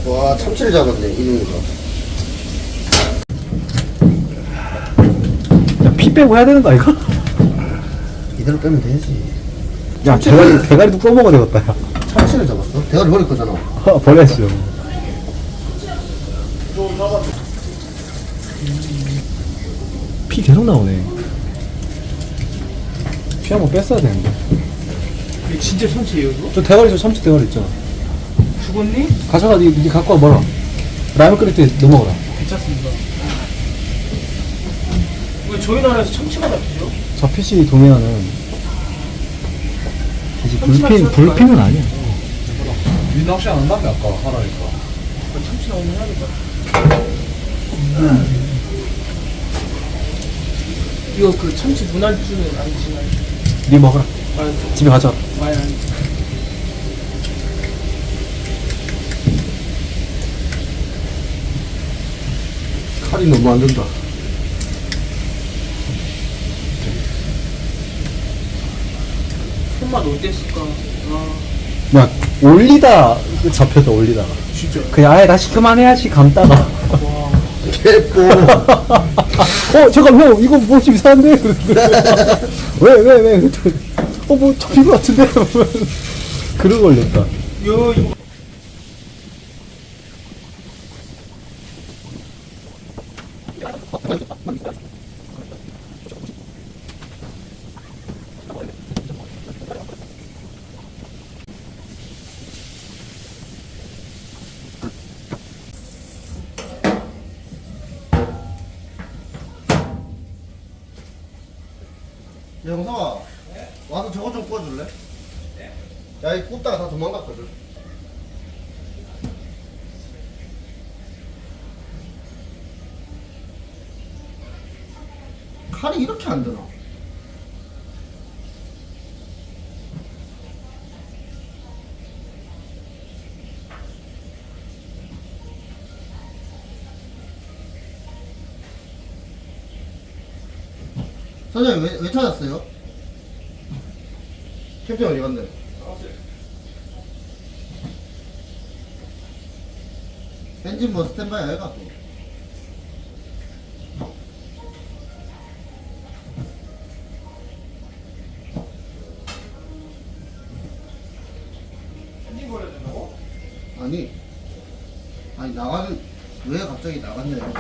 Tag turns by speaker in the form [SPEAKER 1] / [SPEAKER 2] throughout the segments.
[SPEAKER 1] 와, 참치를 잡았네, 이놈이가.
[SPEAKER 2] 야, 피 빼고 해야 되는 거 아이가?
[SPEAKER 1] 이대로 빼면 되지.
[SPEAKER 2] 야, 대가리도 써먹어야 되겠다, 야.
[SPEAKER 1] 참치를 잡았어? 대가리 버릴 거잖아.
[SPEAKER 2] 버려야죠. 피 계속 나오네. 피 한번 뺐어야 되는데.
[SPEAKER 3] 이게 진짜 참치예요, 이거?
[SPEAKER 2] 저 대가리, 저 참치 대가리 있잖아.
[SPEAKER 3] 죽었니?
[SPEAKER 2] 가져가, 니 갖고 와 먹어라. 라면 끓일 때 넣어 먹어라.
[SPEAKER 3] 괜찮습니다. 왜 저희 나라에서 참치가 잡히죠?
[SPEAKER 2] 저 PC 동해안은 이제 불핀은 아니야.
[SPEAKER 4] 니 낚시 안 한다며 아까 하라니까.
[SPEAKER 3] 참치 나오면 해야겠다. 이거 그 참치 문안주는 안 드시나요?
[SPEAKER 2] 니 먹어라.
[SPEAKER 3] 아,
[SPEAKER 2] 집에 가져와.
[SPEAKER 3] 아니.
[SPEAKER 1] 칼이 너무 안 된다.
[SPEAKER 3] 손맛 어땠을까? 아,
[SPEAKER 2] 야, 올리다 잡혔다, 올리다가.
[SPEAKER 3] 진짜.
[SPEAKER 2] 그냥 아예 다시 그만해야지 감다가.
[SPEAKER 3] 와.
[SPEAKER 1] 개뽀.
[SPEAKER 2] 잠깐 형 이거 뭐 좀 이상한데? 왜? 뭐 잡힌 것 같은데? 그러고 걸렸다.
[SPEAKER 3] 이거.
[SPEAKER 1] 야, 영상아. 와서 저거 좀 구워줄래? 야, 이 굽다가 다 도망갔거든. 칼이 이렇게 안 되나? 선생님 왜 찾았어요? 캠핑 어디 갔네? 엔진 뭐 스탠바이 아이가 또.
[SPEAKER 3] 엔진 걸려야 된다고?
[SPEAKER 1] 아니 나가는 왜 갑자기 나갔냐?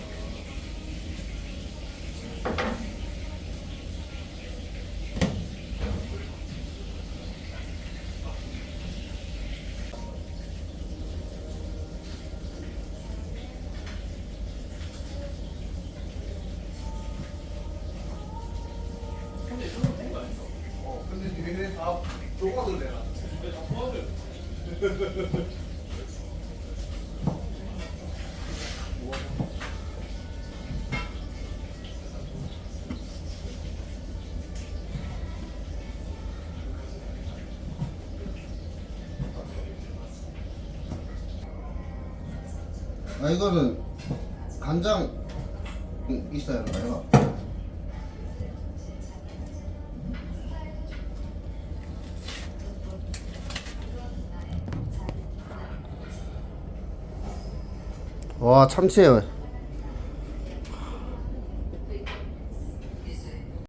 [SPEAKER 1] 근데 얘네 다 조각을 내라. 아, 이거는 간장 있어야 하는 거야. 와, 참치에